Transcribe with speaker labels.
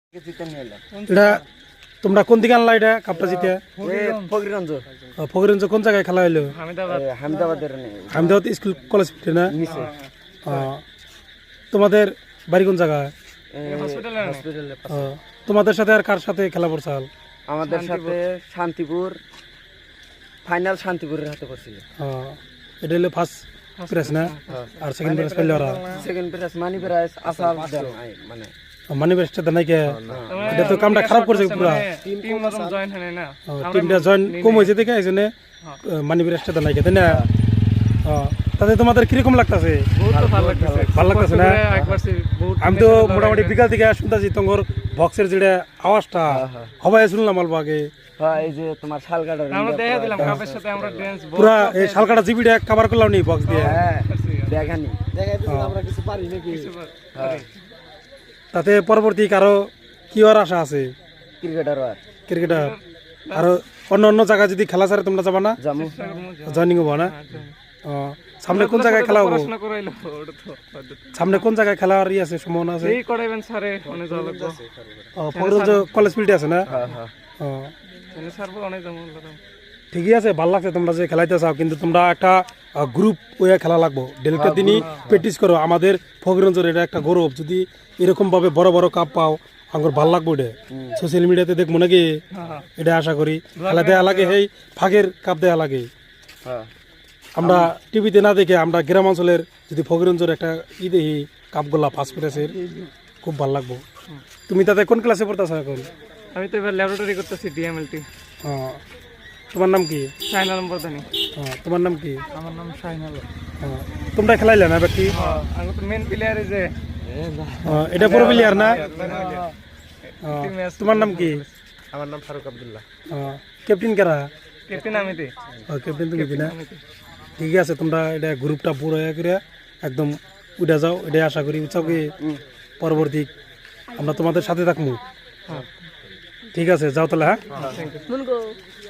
Speaker 1: এটা তোমরা কোন দিকে আনলা এটা কাপটা জিতে? ফকিরগঞ্জ কোন জায়গায় খেলা হইলো? হামিদাবাদ স্কুল কলেজ না? তোমাদের বাড়ি কোন জায়গায়? তোমাদের সাথে আর কার সাথে খেলা পড়ছাল?
Speaker 2: আমাদের সাথে শান্তিপুর, ফাইনাল শান্তিপুরের হাতে পড়ছিল।
Speaker 1: এটা হলো ফার্স্ট প্রাইজ না? আর সেকেন্ড প্রাইজ পাইলো ওরা?
Speaker 2: সেকেন্ড প্রাইজ মানি প্রাইজ আসাল মানে
Speaker 1: মানি প্রাইজটা দেয় নাই কে? এটা তো কামটা খারাপ করছে পুরা। টিমটা জয়েন কম হয়েছে দেখে এই জন্য মানি প্রাইজটা দেয় নাই কে, তাই না? তাতে তোমাদের কিরকম লাগতেছে? ভালো লাগতেছে না? আমি তো মোটামুটি বিকাল থেকে শুনতেছি তোমার বক্সের যেটা আওয়াজটা হবাই শুনলাম অল্প আগে।
Speaker 2: এই যে তোমার শালকাটা
Speaker 1: পুরা এই শালকাটা জিবিটা কভার করলাম নি বক্স দিয়ে।
Speaker 2: দেখানি
Speaker 1: তাতে পরবর্তী কারো কি হওয়ার আশা আছে? ক্রিকেটার আরো অন্য অন্য জায়গায় যদি খেলা ছাড়ে তোমরা যাবা না? জয়নিং হবো না? সামনে কোন জায়গায় খেলা হবো? সামনে কোন জায়গায় খেলা আর আছে সম্ভাবনা আছে? ফকিরগঞ্জ কলেজ ফিল্ডে আছে না? ঠিকই আছে, ভালো লাগছে তোমরা যে খেলাইতে চাও, কিন্তু তোমরা একটা গ্রুপ ওয়ে খেলা লাগবো। ডেলিটা দিনই প্র্যাকটিস করো। আমাদের ফকিরগঞ্জের এটা একটা গৌরব, যদি এরকম ভাবে বড় বড় কাপ পাও আমার ভালো লাগবো। এটা সোশ্যাল মিডিয়াতে দেখবো নাকি, এটা আশা করি। খেলা দেওয়া লাগে, এই ফাঁকের কাপ দেওয়া লাগে। আমরা টিভিতে না দেখে আমরা গ্রাম অঞ্চলের যদি ফকিরগঞ্জের একটা দেখি কাপগুলা ফার্স্ট প্রাইজের, খুব ভালো লাগবো। তুমি তাতে কোন ক্লাসে পড়তেছো এখন?
Speaker 3: আমি তো এবার ল্যাবরেটরি করতেছি ডিএমএলটি।
Speaker 1: তোমার নাম কি?
Speaker 3: শাহিন আলম প্রধানী।
Speaker 1: তোমার নাম কি?
Speaker 3: আমার নাম শাহিন আলম।
Speaker 1: তোমরা খেলাইলে না বাকি?
Speaker 3: আমি তো মেন প্লেয়ার যে
Speaker 1: এটা পুরো প্লেয়ার না? তোমার নাম কি?
Speaker 3: আমার নাম ফারুক আব্দুল্লাহ।
Speaker 1: ক্যাপ্টেন কারা?
Speaker 3: ক্যাপ্টেন আমিতে।
Speaker 1: ক্যাপ্টেন তুমি কি না? ঠিক আছে, তোমরা এটা গ্রুপটা পুরো করে একদম উঠে যাও, এটাই আশা করি। উৎসাহ পরবর্তী আমরা তোমাদের সাথে থাকবো। ঠিক আছে, যাও তাহলে। হ্যাঁ।